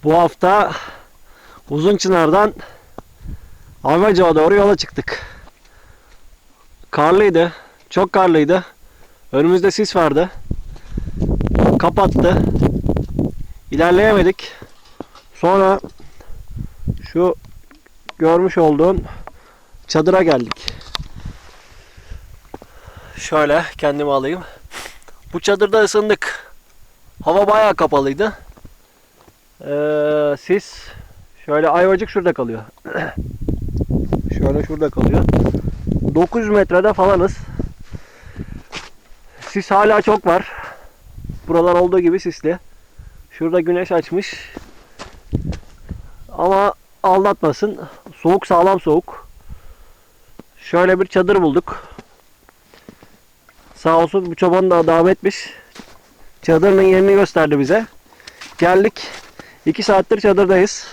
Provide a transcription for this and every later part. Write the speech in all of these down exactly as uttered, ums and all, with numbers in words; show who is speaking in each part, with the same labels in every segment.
Speaker 1: Bu hafta Uzunçınar'dan Ayvacık'a doğru yola çıktık. Karlıydı. Çok karlıydı. Önümüzde sis vardı. Kapattı. İlerleyemedik. Sonra şu görmüş olduğun çadıra geldik. Şöyle kendimi alayım. Bu çadırda ısındık. Hava bayağı kapalıydı. Ee, sis şöyle Ayvacık şurada kalıyor. Şöyle şurada kalıyor. dokuz metrede falanız. Sis hala çok var. Buralar olduğu gibi sisli. Şurada güneş açmış. Ama aldatmasın. Soğuk, sağlam soğuk. Şöyle bir çadır bulduk. Sağ olsun bu çoban da devam etmiş. Çadırın yerini gösterdi bize. Geldik. iki saattir çadırdayız.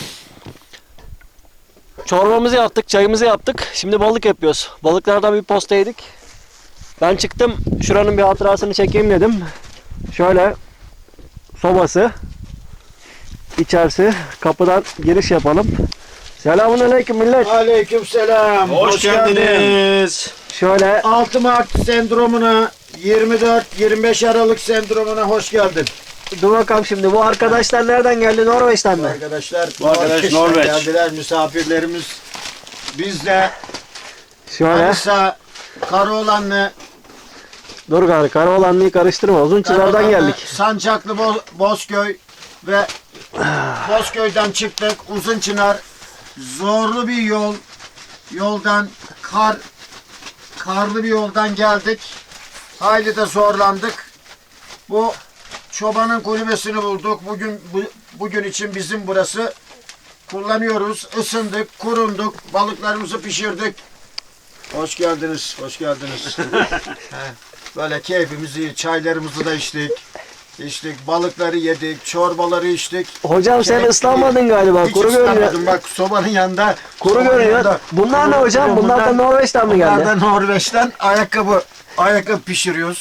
Speaker 1: Çorbamızı yaptık, çayımızı yaptık. Şimdi balık yapıyoruz. Balıklardan bir posta yedik. Ben çıktım. Şuranın bir hatırasını çekeyim dedim. Şöyle sobası. İçerisi. Kapıdan giriş yapalım. Selamünaleyküm millet.
Speaker 2: Aleykümselam.
Speaker 3: Hoş, Hoş geldiniz.
Speaker 1: Şöyle
Speaker 2: altı Mart sendromuna, yirmi dört yirmi beş Aralık sendromuna hoş geldin.
Speaker 1: dur bakalım şimdi. Bu arkadaşlar nereden geldi? Norveç'ten
Speaker 2: Bu
Speaker 1: mi?
Speaker 2: arkadaşlar
Speaker 3: Bu arkadaş
Speaker 2: Norveç'ten
Speaker 3: Norveç.
Speaker 2: geldiler, misafirlerimiz. Biz de
Speaker 1: Şöyle.
Speaker 2: Manisa, Karaoğlanlı,
Speaker 1: Dur gari. Karaoğlanlı'yı karıştırma. Uzunçınar'dan
Speaker 2: Karaoğlanlı,
Speaker 1: geldik.
Speaker 2: Sancaklı Bo- Bozköy ve Bozköy'den çıktık. Uzunçınar, zorlu bir yol. Yoldan kar karlı bir yoldan geldik. Hayli de zorlandık. Bu çobanın kulübesini bulduk. Bugün bu, bugün için bizim burası. Kullanıyoruz. Isındık, kurunduk, balıklarımızı pişirdik. Hoş geldiniz, hoş geldiniz. He, böyle keyfimizi, çaylarımızı da içtik. İçtik, balıkları yedik, çorbaları içtik.
Speaker 1: Hocam sen
Speaker 2: Keyif-
Speaker 1: ıslanmadın galiba.
Speaker 2: Hiç
Speaker 1: Kuru görünüyor.
Speaker 2: ıslanmadım. Bak sobanın yanında.
Speaker 1: Kuru
Speaker 2: sobanın
Speaker 1: görünüyor.
Speaker 2: yanında
Speaker 1: Bunlar ne
Speaker 2: kuru
Speaker 1: hocam?
Speaker 2: görünüyor.
Speaker 1: Bunlar da Norveç'ten mi
Speaker 2: Bunlar
Speaker 1: geldi?
Speaker 2: da Norveç'ten ayakkabı ayakkabı pişiriyoruz.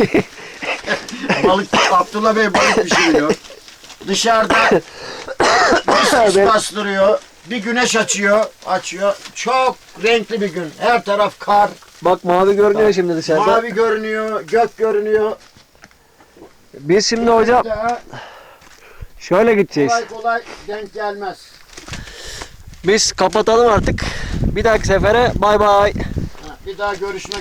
Speaker 2: Balık Abdullah Bey balık pişiriyor. Dışarıda bir sis
Speaker 1: Ben-
Speaker 2: bastırıyor. Bir güneş açıyor. Açıyor. Çok renkli bir gün. Her taraf kar.
Speaker 1: Bak mavi görünüyor şimdi dışarıda.
Speaker 2: Mavi görünüyor. Gök görünüyor.
Speaker 1: Biz şimdi hocam
Speaker 2: Daha
Speaker 1: şöyle gideceğiz.
Speaker 2: kolay kolay denk gelmez.
Speaker 1: Biz kapatalım artık. Bir dahaki sefere bay bay.
Speaker 2: Ha, bir daha görüşmek